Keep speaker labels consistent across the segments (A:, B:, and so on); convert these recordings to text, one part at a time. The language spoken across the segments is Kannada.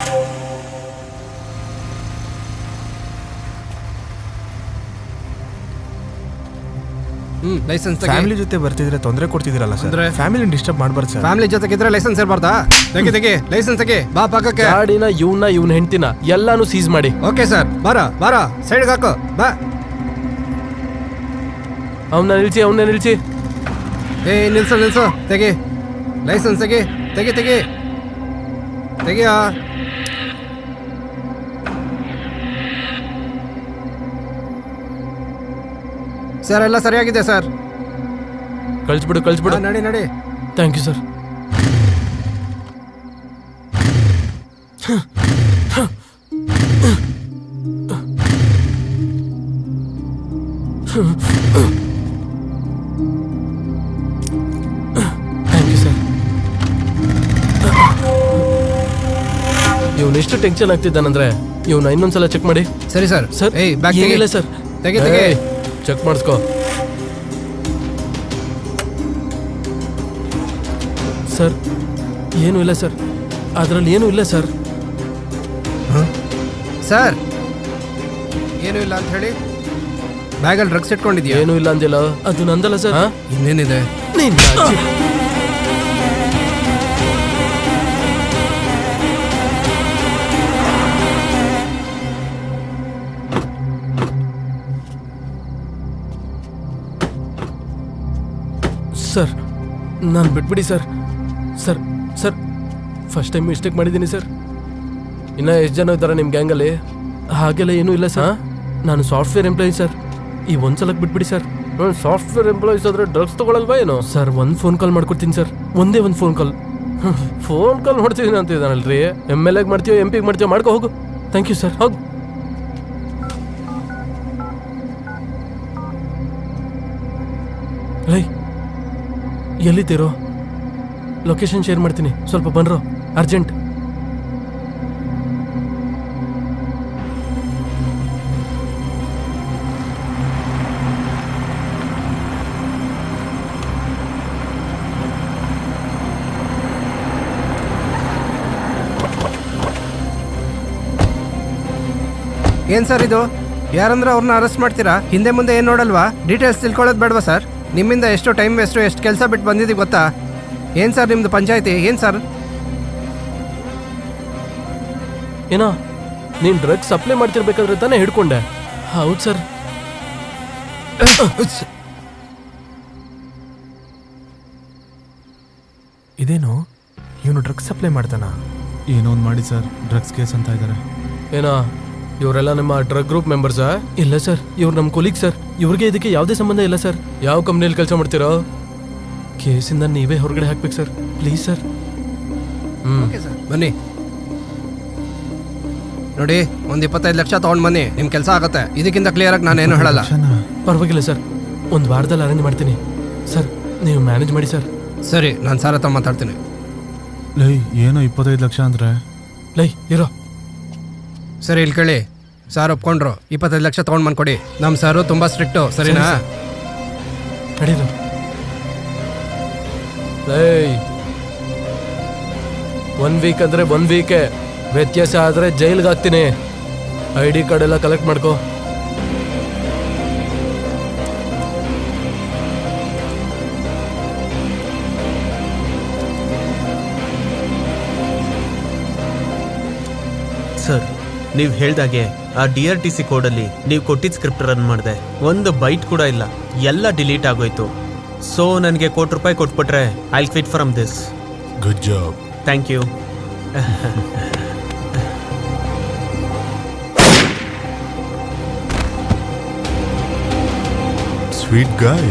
A: ಲೈಸೆನ್ಸ್
B: ಫ್ಯಾಮಿಲಿ ಜೊತೆ ಬರ್ತಿದ್ರೆ ತೊಂದರೆ ಕೊಡ್ತಿದ್ದೀರಲ್ಲ ಸರ್. ಫ್ಯಾಮಿಲಿ ಡಿಸ್ಟರ್ಬ್ ಮಾಡಬಾರ್ದು ಸರ್.
A: ಫ್ಯಾಮಿಲಿ ಜೊತೆಗಿದ್ರೆ ಲೈಸೆನ್ಸ್ ಇರಬಾರ್ದಾ? ತೆಗಿ ಲೈಸೆನ್ಸ್ ತೆಗಿ. ಬಾ ಪಕ್ಕಕ್ಕೆ.
C: ಗಾಡಿನ ಇವನ ಹೆಂಡ್ತಿನ ಎಲ್ಲಾನು ಸೀಸ್ ಮಾಡಿ.
A: Okay sir. ಬಾರ ಸೈಡ್ಗೆ ಹಾಕು. ಬಾ.
C: ಅವನ್ನ ನಿಲ್ಸಿ.
A: ನಿಲ್ಸು. ತೆಗಿ ಲೈಸೆನ್ಸ್ ತೆಗಿಯಾ. ಸರ್ ಎಲ್ಲ ಸರಿಯಾಗಿದೆ ಸರ್.
C: ಕಳಿಸ್ಬಿಡು.
A: ನಡಿ.
C: Thank you sir. ಇವನು ಎಷ್ಟು ಟೆನ್ಷನ್ ಆಗ್ತಿದ್ದಾನಂದ್ರೆ ಇವನ ಇನ್ನೊಂದ್ಸಲ ಚೆಕ್ ಮಾಡಿ.
A: ಸರಿ ಸರ್.
C: ಏನಿಲ್ಲ ಸರ್.
A: ತೆಗಿ
C: ಚೆಕ್ ಮಾಡಿಸ್ಕೋ ಸರ್. ಏನೂ ಇಲ್ಲ ಸರ್, ಅದರಲ್ಲಿ ಏನೂ ಇಲ್ಲ ಸರ್.
A: ಸರ್ ಏನೂ ಇಲ್ಲ ಅಂತ ಹೇಳಿ ಬ್ಯಾಗಲ್ಲಿ ಡ್ರಗ್ಸ್ ಇಟ್ಕೊಂಡಿದ್ಯಾ?
C: ಏನೂ ಇಲ್ಲ ಅಂದಿಲ್ಲ. ಅದು ನಂದಲ್ಲ ಸರ್.
A: ಇನ್ನೇನಿದೆ?
C: ಸರ್ ನಾನು ಬಿಟ್ಬಿಡಿ ಸರ್. ಫಸ್ಟ್ ಟೈಮ್ ಮಿಸ್ಟೇಕ್ ಮಾಡಿದ್ದೀನಿ ಸರ್. ಇನ್ನು ಎಷ್ಟು ಜನ ಇದ್ದಾರೆ ನಿಮ್ಮ ಗ್ಯಾಂಗಲ್ಲಿ? ಹಾಗೆಲ್ಲ ಏನೂ ಇಲ್ಲ ಸರ್. ನಾನು ಸಾಫ್ಟ್ವೇರ್ ಎಂಪ್ಲಾಯಿ ಸರ್. ಈ ಒಂದ್ಸಲಕ್ಕೆ ಬಿಟ್ಬಿಡಿ ಸರ್. ಸಾಫ್ಟ್ವೇರ್ ಎಂಪ್ಲಾಯೀಸ್ ಆದ್ರೆ ಡ್ರಗ್ಸ್ ತಗೊಳಲ್ವಾ ಏನೋ? ಸರ್ ಒಂದು ಫೋನ್ ಕಾಲ್ ಮಾಡ್ಕೊಡ್ತೀನಿ ಸರ್. ಒಂದೇ ಒಂದು ಫೋನ್ ಕಾಲ್ ಮಾಡ್ತಿದ್ದೀನಿ ಅಂತಿದ್ದಾನಲ್ರಿ. MLA ಮಾಡ್ತೀಯೋ MP ಮಾಡ್ತೀಯೋ ಮಾಡ್ಕೊ ಹೋಗು. Thank you sir. ಹೋಗು. ಲೈ ಎಲ್ಲಿದ್ದೀರೋ? ಲೊಕೇಶನ್ ಶೇರ್ ಮಾಡ್ತೀನಿ, ಸ್ವಲ್ಪ ಬನ್ರೋ, ಅರ್ಜೆಂಟ್.
A: ಏನ್ ಸರ್ ಇದು? ಯಾರಂದ್ರೆ ಅವ್ರನ್ನ ಅರೆಸ್ಟ್ ಮಾಡ್ತೀರಾ? ಹಿಂದೆ ಮುಂದೆ ಏನ್ ನೋಡಲ್ವಾ? ಡೀಟೇಲ್ಸ್ ತಿಳ್ಕೊಳ್ಳೋದು ಬೇಡವಾ ಸರ್? ನಿಮ್ಮಿಂದ ಎಷ್ಟು ಟೈಮ್ ವೇಸ್ಟು, ಎಷ್ಟು ಕೆಲಸ ಬಿಟ್ಟು ಬಂದಿದ್ದೀವಿ ಗೊತ್ತಾ? ಏನು ಸರ್ ನಿಮ್ಮದು ಪಂಚಾಯತಿ? ಏನು ಸರ್?
C: ಏನೋ ನೀನು ಡ್ರಗ್ಸ್ ಸಪ್ಲೈ ಮಾಡ್ತಿರ್ಬೇಕಾದ್ರೆ ತಾನೇ ಹಿಡ್ಕೊಂಡೆ? ಹೌದು ಸರ್.
B: ಇದೇನು ಇವನು ಡ್ರಗ್ಸ್ ಸಪ್ಲೈ ಮಾಡ್ತಾನ?
D: ಏನೋ ಒಂದು ಮಾಡಿ ಸರ್, ಡ್ರಗ್ಸ್ ಕೇಸ್ ಅಂತ ಇದ್ದಾರೆ.
C: ಏನೋ ಇವರೆಲ್ಲ ನಮ್ಮ ಡ್ರಗ್ ಗ್ರೂಪ್ ಮೆಂಬರ್ಸಾ? ಇಲ್ಲ ಸರ್, ಇವ್ರು ನಮ್ಮ ಕೊಲೀಗ್ ಸರ್. ಇವ್ರಿಗೆ ಇದಕ್ಕೆ ಯಾವುದೇ ಸಂಬಂಧ ಇಲ್ಲ ಸರ್. ಯಾವ ಕಂಪ್ನಿಯಲ್ಲಿ ಕೆಲಸ ಮಾಡ್ತೀರೋ? ಕೇಸಿಂದ ನೀವೇ ಹೊರಗಡೆ ಹಾಕ್ಬೇಕು sir, please sir.
A: Okay sir, ಬನ್ನಿ. ನೋಡಿ, ಒಂದು 25 ಲಕ್ಷ ತೊಗೊಂಡು ಬನ್ನಿ, ನಿಮ್ಮ ಕೆಲಸ ಆಗುತ್ತೆ. ಇದಕ್ಕಿಂತ ಕ್ಲಿಯರಾಗಿ ನಾನೇನು ಹೇಳಲ್ಲ.
C: ಪರವಾಗಿಲ್ಲ ಸರ್, ಒಂದು ವಾರದಲ್ಲಿ ಅರೇಂಜ್ ಮಾಡ್ತೀನಿ ಸರ್. ನೀವು ಮ್ಯಾನೇಜ್ ಮಾಡಿ ಸರ್.
A: ಸರಿ, ನಾನು ಸರ್ ಹತ್ರ ಮಾತಾಡ್ತೀನಿ.
D: ಲೈ ಏನೋ 25 ಲಕ್ಷ ಅಂದ್ರೆ?
C: ಲೈ ಇರೋ.
A: ಸರಿ, ಇಲ್ಲಿ ಕೇಳಿ. ಸಾರ್ ಒಪ್ಕೊಂಡ್ರು, 25 ಲಕ್ಷ ತೊಗೊಂಡು ಬಂದ್ಕೊಡಿ. ನಮ್ಮ ಸಾರು ತುಂಬ ಸ್ಟ್ರಿಕ್ಟು, ಸರಿನಾ?
C: ನಡೀರು. ಲೈ 1 ವೀಕ್ ಅಂದರೆ 1 ವೀಕೆ, ವ್ಯತ್ಯಾಸ ಆದರೆ ಜೈಲ್ಗೆ ಹಾಕ್ತೀನಿ. ID ಕಾರ್ಡ್ ಎಲ್ಲ ಕಲೆಕ್ಟ್ ಮಾಡ್ಕೋ.
E: ಸರ್, ನೀವು ಹೇಳ್ದಾಗೆ ಆ DRTC ಕೋಡಲ್ಲಿ ನೀವು ಕೊಟ್ಟಿದ್ದ ಸ್ಕ್ರಿಪ್ಟ್ ರನ್ ಮಾಡಿದೆ. ಒಂದು ಬೈಟ್ ಕೂಡ ಇಲ್ಲ, ಎಲ್ಲ ಡಿಲೀಟ್ ಆಗೋಯ್ತು. ಸೊ ನನಗೆ ₹1,00,00,000 ಕೊಟ್ಬಿಟ್ರೆ I will quit from this.
D: Good job.
E: Thank you.
D: Sweet guy.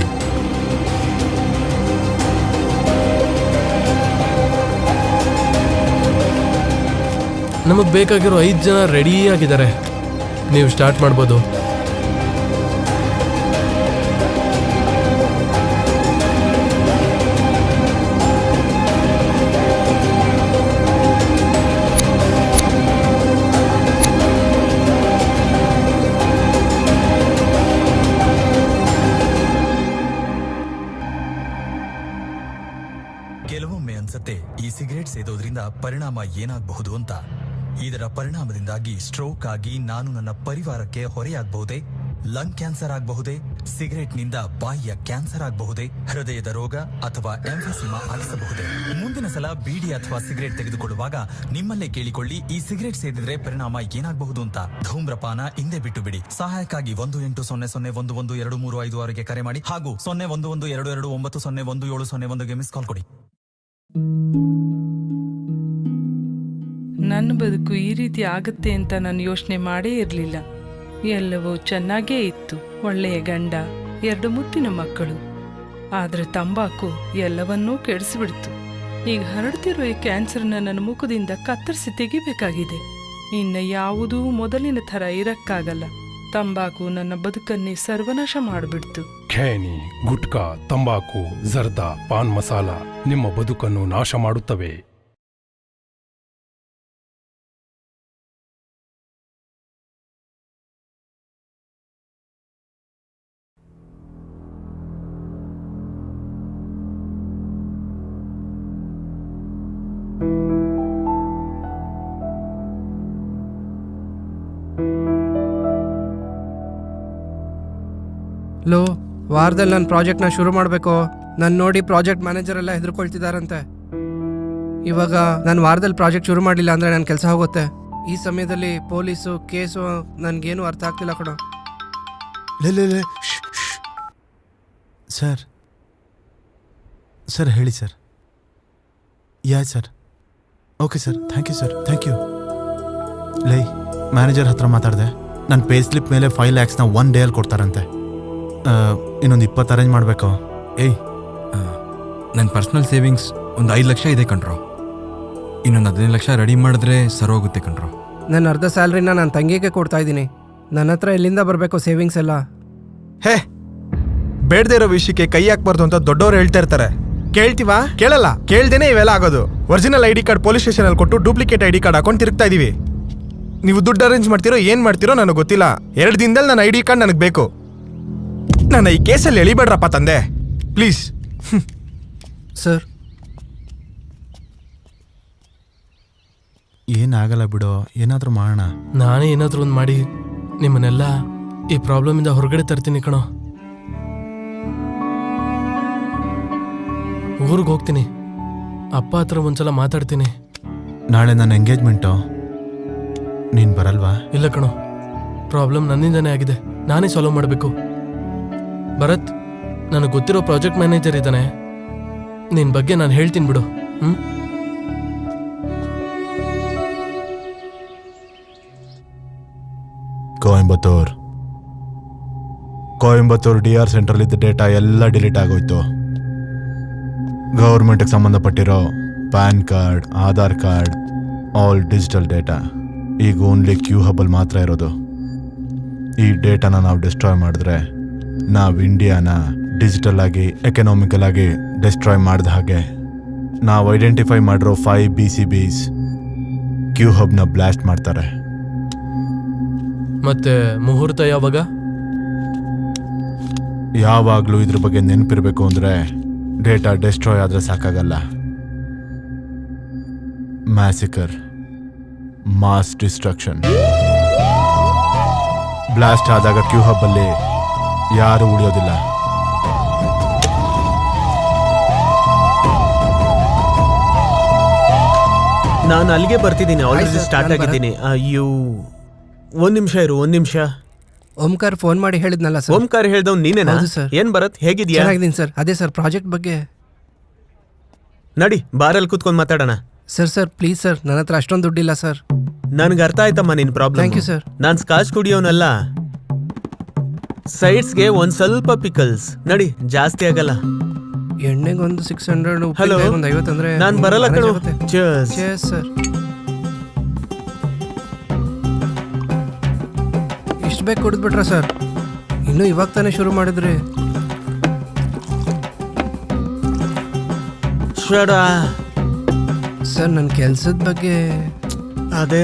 C: ನಮಗೆ ಬೇಕಾಗಿರೋ 5 ಜನ ರೆಡಿ ಆಗಿದ್ದಾರೆ. ನೀವು ಸ್ಟಾರ್ಟ್ ಮಾಡ್ಬೋದು.
F: ಕೆಲವೊಮ್ಮೆ ಅನ್ಸತ್ತೆ ಈ ಸಿಗರೇಟ್ ಸೇದೋದ್ರಿಂದ ಪರಿಣಾಮ ಏನಾಗಬಹುದು ಅಂತ. ಇದರ ಪರಿಣಾಮದಿಂದಾಗಿ ಸ್ಟ್ರೋಕ್ ಆಗಿ ನಾನು ನನ್ನ ಪರಿವಾರಕ್ಕೆ ಹೊರೆಯಾಗಬಹುದೇ? ಲಂಗ್ ಕ್ಯಾನ್ಸರ್ ಆಗಬಹುದೇ? ಸಿಗರೆಟ್ನಿಂದ ಬಾಯಿಯ ಕ್ಯಾನ್ಸರ್ ಆಗಬಹುದೇ? ಹೃದಯದ ರೋಗ ಅಥವಾ ಎಂಫೆಸಿಮಾ ಆಗಿಸಬಹುದೇ? ಮುಂದಿನ ಸಲ ಬೀಡಿ ಅಥವಾ ಸಿಗರೆಟ್ ತೆಗೆದುಕೊಳ್ಳುವಾಗ ನಿಮ್ಮಲ್ಲೇ ಕೇಳಿಕೊಳ್ಳಿ, ಈ ಸಿಗರೆಟ್ ಸೇದಿದ್ರೆ ಪರಿಣಾಮ ಏನಾಗಬಹುದು ಅಂತ. ಧೂಮ್ರಪಾನ ಹಿಂದೆ ಬಿಟ್ಟು ಬಿಡಿ. ಸಹಾಯಕ್ಕಾಗಿ 1800112356ಗೆ ಕರೆ ಮಾಡಿ ಹಾಗೂ 011229011701ಗೆ ಮಿಸ್ ಕಾಲ್ ಕೊಡಿ.
G: ನನ್ನ ಬದುಕು ಈ ರೀತಿ ಆಗತ್ತೆ ಅಂತ ನಾನು ಯೋಚನೆ ಮಾಡೇ ಇರಲಿಲ್ಲ. ಎಲ್ಲವೂ ಚೆನ್ನಾಗೇ ಇತ್ತು. ಒಳ್ಳೆಯ ಗಂಡ, 2 ಮುತ್ತಿನ ಮಕ್ಕಳು. ಆದರೆ ತಂಬಾಕು ಎಲ್ಲವನ್ನೂ ಕೆಡಿಸಿಬಿಡ್ತು. ಈಗ ಹರಡ್ತಿರೋ ಈ ಕ್ಯಾನ್ಸರ್ನ ನನ್ನ ಮುಖದಿಂದ ಕತ್ತರಿಸಿ ತೆಗಿಬೇಕಾಗಿದೆ. ಇನ್ನು ಯಾವುದೂ ಮೊದಲಿನ ಥರ ಇರಕ್ಕಾಗಲ್ಲ. ತಂಬಾಕು ನನ್ನ ಬದುಕನ್ನೇ ಸರ್ವನಾಶ ಮಾಡಿಬಿಡ್ತು.
H: ಖೇನಿ, ಗುಟ್ಕಾ, ತಂಬಾಕು, ಜರ್ದಾ, ಪಾನ್ ಮಸಾಲ ನಿಮ್ಮ ಬದುಕನ್ನು ನಾಶ ಮಾಡುತ್ತವೆ.
A: ಲೋ, ವಾರದಲ್ಲಿ ನನ್ನ ಪ್ರಾಜೆಕ್ಟ್ನ ಶುರು ಮಾಡಬೇಕು. ನಾನು ನೋಡಿ ಪ್ರಾಜೆಕ್ಟ್ ಮ್ಯಾನೇಜರ್ ಎಲ್ಲ ಹೆದರ್ಕೊಳ್ತಿದ್ದಾರಂತೆ. ಇವಾಗ ನಾನು ವಾರದಲ್ಲಿ ಪ್ರಾಜೆಕ್ಟ್ ಶುರು ಮಾಡಲಿಲ್ಲ ಅಂದರೆ ನನ್ನ ಕೆಲಸ ಹೋಗುತ್ತೆ. ಈ ಸಮಯದಲ್ಲಿ ಪೊಲೀಸು ಕೇಸು ನನಗೇನು ಅರ್ಥ ಆಗ್ತಿಲ್ಲ ಕಣೋ.
D: ಲೇ ಸರ್ ಸರ್ ಹೇಳಿ sir. Ya sir, okay sir, thank you sir, thank you. ಲೈ, ಮ್ಯಾನೇಜರ್ ಹತ್ರ ಮಾತಾಡಿದೆ. ನನ್ನ ಪೇ ಸ್ಲಿಪ್ ಮೇಲೆ 5 lakhsನ 1 ಡೇಯಲ್ಲಿ ಕೊಡ್ತಾರಂತೆ. ಇನ್ನೊಂದು 20 ಅರೇಂಜ್ ಮಾಡಬೇಕು.
I: ಏಯ್, ನನ್ನ ಪರ್ಸ್ನಲ್ ಸೇವಿಂಗ್ಸ್ ಒಂದು 5 ಲಕ್ಷ ಇದೆ ಕಣ್ರೋ. ಇನ್ನೊಂದು 15 ಲಕ್ಷ ರೆಡಿ ಮಾಡಿದ್ರೆ ಸರೋಗುತ್ತೆ ಕಣ್ರೋ.
A: ನನ್ನ ಅರ್ಧ ಸ್ಯಾಲ್ರಿನ ನನ್ನ ತಂಗಿಗೆ ಕೊಡ್ತಾ ಇದ್ದೀನಿ. ನನ್ನ ಹತ್ರ ಎಲ್ಲಿಂದ ಬರಬೇಕು ಸೇವಿಂಗ್ಸ್ ಎಲ್ಲ?
B: ಹೇ, ಬೇಡದೇ ಇರೋ ವಿಷಯಕ್ಕೆ ಕೈ ಹಾಕ್ಬಾರ್ದು ಅಂತ ದೊಡ್ಡವ್ರು ಹೇಳ್ತಾ ಇರ್ತಾರೆ. ಕೇಳ್ತೀವಾ? ಕೇಳಲ್ಲ. ಕೇಳ್ದೇನೆ ಇವೆಲ್ಲ ಆಗೋದು. ಒರಿಜಿನಲ್ ID ಕಾರ್ಡ್ ಪೊಲೀಸ್ ಸ್ಟೇಷನಲ್ಲಿ ಕೊಟ್ಟು ಡೂಪ್ಲಿಕೇಟ್ ID ಕಾರ್ಡ್ ಹಾಕೊಂಡು ತಿರುಗ್ತಾ ಇದೀವಿ. ನೀವು ದುಡ್ಡು ಅರೇಂಜ್ ಮಾಡ್ತಿರೋ ಏನು ಮಾಡ್ತಿರೋ ನನಗೆ ಗೊತ್ತಿಲ್ಲ. 2 ದಿನದಲ್ಲಿ ನನ್ನ ID ಕಾರ್ಡ್ ನನಗೆ ಬೇಕು. ನನ್ನ ಈ ಕೇಸಲ್ಲಿ ಎಳಿಬೇಡ್ರಪ್ಪ ತಂದೆ, ಪ್ಲೀಸ್.
A: ಸರ್,
D: ಏನಾಗಲ್ಲ ಬಿಡೋ, ಏನಾದರೂ ಮಾಡೋಣ.
C: ನಾನೇ ಏನಾದರೂ ಒಂದು ಮಾಡಿ ನಿಮ್ಮನ್ನೆಲ್ಲ ಈ ಪ್ರಾಬ್ಲಮಿಂದ ಹೊರಗಡೆ ತರ್ತೀನಿ ಕಣೋ. ಊರಿಗೆ ಹೋಗ್ತೀನಿ. ಅಪ್ಪ ಹತ್ರ ಒಂದ್ಸಲ ಮಾತಾಡ್ತೀನಿ.
D: ನಾಳೆ ನನ್ನ ಎಂಗೇಜ್ಮೆಂಟು, ನೀನು ಬರಲ್ವಾ?
C: ಇಲ್ಲ ಕಣೋ, ಪ್ರಾಬ್ಲಮ್ ನನ್ನಿಂದನೇ ಆಗಿದೆ. ನಾನೇ ಸಾಲ್ವ್ ಮಾಡಬೇಕು. ಭರತ್, ನನಗೆ ಗೊತ್ತಿರೋ ಪ್ರಾಜೆಕ್ಟ್ ಮ್ಯಾನೇಜರ್ ಇದ್ದಾನೆ. ನಿನ್ನ ಬಗ್ಗೆ ನಾನು ಹೇಳ್ತೀನಿ ಬಿಡು.
D: ಕೊಯಂಬತ್ತೂರ್ DR ಸೆಂಟ್ರಲ್ಲಿದ್ದ ಡೇಟಾ ಎಲ್ಲ ಡಿಲೀಟ್ ಆಗೋಯ್ತು. ಗೌರ್ಮೆಂಟ್ಗೆ ಸಂಬಂಧಪಟ್ಟಿರೋ PAN card, Aadhaar card, all digital data ಈಗ ಓನ್ಲಿ ಕ್ಯೂ ಹಬ್ಬಲ್ಲಿ ಮಾತ್ರ ಇರೋದು. ಈ ಡೇಟಾನ ನಾವು ಡಿಸ್ಟ್ರಾಯ್ ಮಾಡಿದ್ರೆ ನಾವು ಇಂಡಿಯಾನ ಡಿಜಿಟಲ್ ಆಗಿ, ಎಕನಾಮಿಕಲ್ ಆಗಿ ಡಿಸ್ಟ್ರಾಯ್ ಮಾಡಿದ ಹಾಗೆ. ನಾವು ಐಡೆಂಟಿಫೈ ಮಾಡಿರೋ 5 BCBs ಕ್ಯೂ ಹಬ್ನ ಬ್ಲಾಸ್ಟ್ ಮಾಡ್ತಾರೆ.
C: ಮತ್ತೆ ಮುಹೂರ್ತ ಯಾವಾಗ?
D: ಯಾವಾಗಲೂ ಇದ್ರ ಬಗ್ಗೆ ನೆನಪಿರಬೇಕು ಅಂದರೆ ಡೇಟಾ ಡಿಸ್ಟ್ರಾಯ್ ಆದರೆ ಸಾಕಾಗಲ್ಲ. Massacre, mass destruction. ಬ್ಲಾಸ್ಟ್ ಆದಾಗ ಕ್ಯೂ ಹಬ್ಬಲ್ಲಿ ಯಾರು ಉಳಿಯೋದಿಲ್ಲ.
E: ನಾನು ಅಲ್ಲಿಗೆ ಬರ್ತಿದ್ದೀನಿ. ಆಲ್ರೆಡಿ
A: ಆಯ್ತು ಸರ್,
E: ಸ್ಟಾರ್ಟ್
A: ನಾನು
E: ಆಗಿದ್ದೀನಿ. ಅಯ್ಯೋ, 1 ನಿಮಿಷ ಇರು, 1 ನಿಮಿಷ.
A: ಓಂಕಾರ್ ಫೋನ್ ಮಾಡಿ ಹೇಳಿದ್ನಲ್ಲ ಸರ್.
E: ಓಂಕಾರ ಹೇಳ್ದವ್ ನೀನೇನಾ?
A: ಹೌದು ಸರ್.
E: ಏನ್ ಭರತ್, ಹೇಗಿದ್ಯಾ?
A: ಚೆನ್ನಾಗಿದ್ದೀನಿ ಸರ್. ಅದೇ ಸರ್ ಪ್ರಾಜೆಕ್ಟ್ ಬಗ್ಗೆ.
E: ನಡಿ, ಬಾರಲ್ಲಿ ಕೂತ್ಕೊಂಡು ಮಾತಾಡೋಣ.
A: ಸರ್ ಪ್ಲೀಸ್ ಸರ್, ನನ್ನ ಹತ್ರ ಅಷ್ಟೊಂದು ದುಡ್ಡಿಲ್ಲ ಸರ್.
E: ನನ್ಗೆ ಅರ್ಥ ಆಯ್ತಮ್ಮ ನಿನ್ ಪ್ರಾಬ್ಲಮ್.
A: Thank you sir.
E: ನಾನ್ ಸ್ಕಾಚ್ ಕುಡಿಯೋನಲ್ಲ. ಸೈಡ್ಸ್ಗೆ ಒಂದ್ ಸ್ವಲ್ಪ ಪಿಕಲ್ಸ್. ನಡಿ, ಜಾಸ್ತಿ ಆಗಲ್ಲ.
A: ಎಣ್ಣೆಗೊಂದು 600,
E: ಹಲೋ,
A: ಒಂದು 50 ಅಂದ್ರೆ
E: ನಾನ್ ಬರಲ್ಲ ಕಣೋ. Cheers.
A: ಸರ್, ಇಷ್ಟು ಬೇಕು ಕುಡಿದ್ಬಿಟ್ರ ಸರ್? ಇನ್ನು ಇವಾಗ ತಾನೇ ಶುರು ಮಾಡಿದ್ರಿ. ಸರ್, ನನ್ನ ಕೆಲ್ಸದ ಬಗ್ಗೆ.
E: ಅದೇ,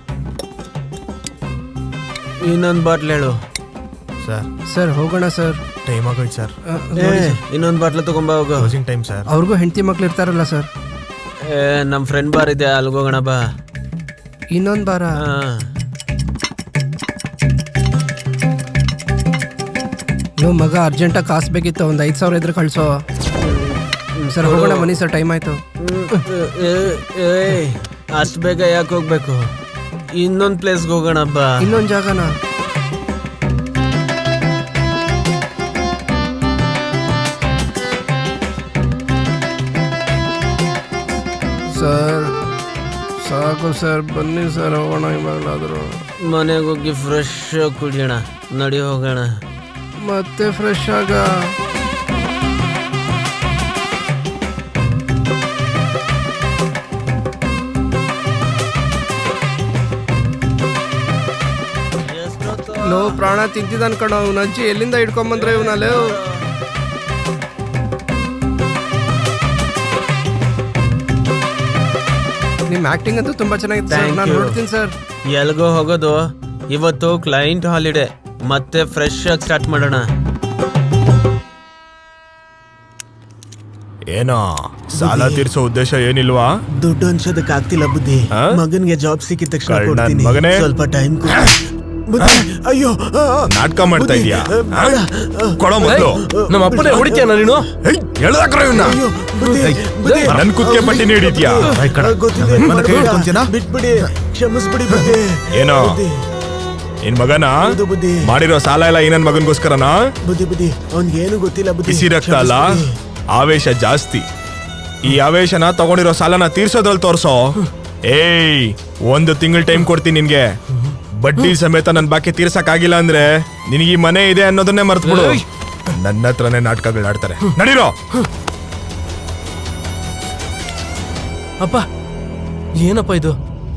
E: ಇನ್ನೊಂದು ಬಾಟ್ಲ್ ಹೇಳು.
A: ಸರ್ ಹೋಗೋಣ ಸರ್.
B: ಟೈಮ್ ಆಗೋಯ್ತು ಸರ್.
E: ಇನ್ನೊಂದು ಬಾಟ್ಲ್ ತಗೊಂಬ ಹೋಗು.
B: Closing time sir.
A: ಅವ್ರಿಗೂ ಹೆಂಡತಿ ಮಕ್ಳು ಇರ್ತಾರಲ್ಲ ಸರ್.
E: ನಮ್ ಫ್ರೆಂಡ್ ಬಾರ್ ಇದೆ, ಅಲ್ಗೋಗೋಣ ಬಾ.
A: ಇನ್ನೊಂದು ಬಾರ ನೀವು ಮಗ ಅರ್ಜೆಂಟಾಗಿ ಕಾಸು ಬೇಕಿತ್ತು, ಒಂದು 5,000 ಇದ್ರೆ ಕಳಿಸೋ. ಸರ್ ಹೋಗೋಣ ಬನ್ನಿ ಸರ್, ಟೈಮ್ ಆಯಿತು.
E: ಅಷ್ಟು ಬೇಗ ಯಾಕೆ ಹೋಗ್ಬೇಕು? ಇನ್ನೊಂದು ಪ್ಲೇಸ್ಗೆ ಹೋಗೋಣ ಬಾ.
A: ಇನ್ನೊಂದು ಜಾಗನ? ಸರ್ ಸಾಕು ಸರ್, ಬನ್ನಿ ಸರ್ ಹೋಗೋಣ ಇವಾಗಲಾದರೂ.
E: ಮನೆಗೆ ಹೋಗಿ ಫ್ರೆಶ್ ಆಗಿ ಕುಡಿಯೋಣ, ನಡಿ ಹೋಗೋಣ.
A: ಮತ್ತೆ ಫ್ರೆಶ್ ಆಗ ಲೋ ಪ್ರಾಣ ತಿಂತಿದ್ದ ಅನ್ಕೊಂಡು ಅವ್ನ ಅಜ್ಜಿ ಎಲ್ಲಿಂದ ಹಿಡ್ಕೊಂಬಂದ್ರೆ ಇವನಲ್ಲಿ. ನಿಮ್ಮ ಆಕ್ಟಿಂಗ್ ಅಂತೂ ತುಂಬಾ ಚೆನ್ನಾಗಿತ್ತು ಸರ್, ನಾನು ನೋಡ್ತೀನಿ ಸರ್.
E: ಎಲ್ಗೋ ಹೋಗೋದು? ಇವತ್ತು ಕ್ಲೈಂಟ್ ಹಾಲಿಡೇ, ಮತ್ತೆ ಫ್ರೆಶ್ ಆಗಿ ಸ್ಟಾರ್ಟ್ ಮಾಡೋಣ.
B: ಏನೋ ಸಾಲ ತೀರ್ಸೋ ಉದ್ದೇಶ ಏನಿಲ್ವಾ?
E: ದುಡ್ಡು ಅನ್ಸೋದಕ್ಕೆ ಆಗ್ತಿಲ್ಲ ಬುದ್ಧಿ. ಮಗನ್ಗೆ ಜಾಬ್ ಸಿಕ್ಕಿದ ತಕ್ಷಣ ಕೊಡ್ತೀನಿ.
B: ಮಗನೇ
E: ಸ್ವಲ್ಪ ಟೈಮ್ ಅಯ್ಯೋ
B: ನಾಟಕ ಮಾಡ್ತಾ ಇದೀಯಾ? ಕೊಡೋ ಮೊದಲು.
C: ನಮ್ಮ ಅಪ್ಪನೇ ಹೊಡಿತೀಯ ನೀನು?
B: ಹೇಳ್ದಾಕ್ರ ಇವನ್ನ. ನನ್ ಕುತ್ತಿಗೆ ಪಟ್ಟಿ ನೀಡಿದ್ಯಾ?
E: ಬಿಟ್ಬಿಡಿ, ಕ್ಷಮಿಸ್ಬಿಡಿ ಬುದ್ಧಿ.
B: ಏನೋ ನಿನ್ ಮಗನ ಮಾಡಿರೋ ಸಾಲ ಎಲ್ಲ ಈ ನನ್ ಮಗನ್ಗೋಸ್ಕರನಾ?
E: ಬುದ್ಧಿ ಅವ್ನ್ಗೆ ಏನು ಗೊತ್ತಿಲ್ಲ ಬುದ್ಧಿ.
B: ಬಿಸಿ ರಕ್ತ ಅಲ್ಲ, ಆವೇಶ ಜಾಸ್ತಿ. ಈ ಆವೇಶನ ತಗೊಂಡಿರೋ ಸಾಲನ ತೀರ್ಸೋದ್ರಲ್ಲಿ ತೋರ್ಸೋ. ಏಯ್, 1 ತಿಂಗಳ ಟೈಮ್ ಕೊಡ್ತೀನಿ ನಿನ್ಗೆ. ಬಡ್ಡಿ ಸಮೇತ ನನ್ ಬಾಕಿ ತೀರ್ಸಕ್ ಆಗಿಲ್ಲ ಅಂದ್ರೆ ನಿನಗೆ ಈ ಮನೆ ಇದೆ ಅನ್ನೋದನ್ನೇ ಮರ್ತ್ಬಿಡು. ನನ್ನ ಹತ್ರನೇ ನಾಟಕಗಳು ಆಡ್ತಾರೆ. ನಡೀರೋ.
C: ಅಪ್ಪ ಏನಪ್ಪ ಇದು?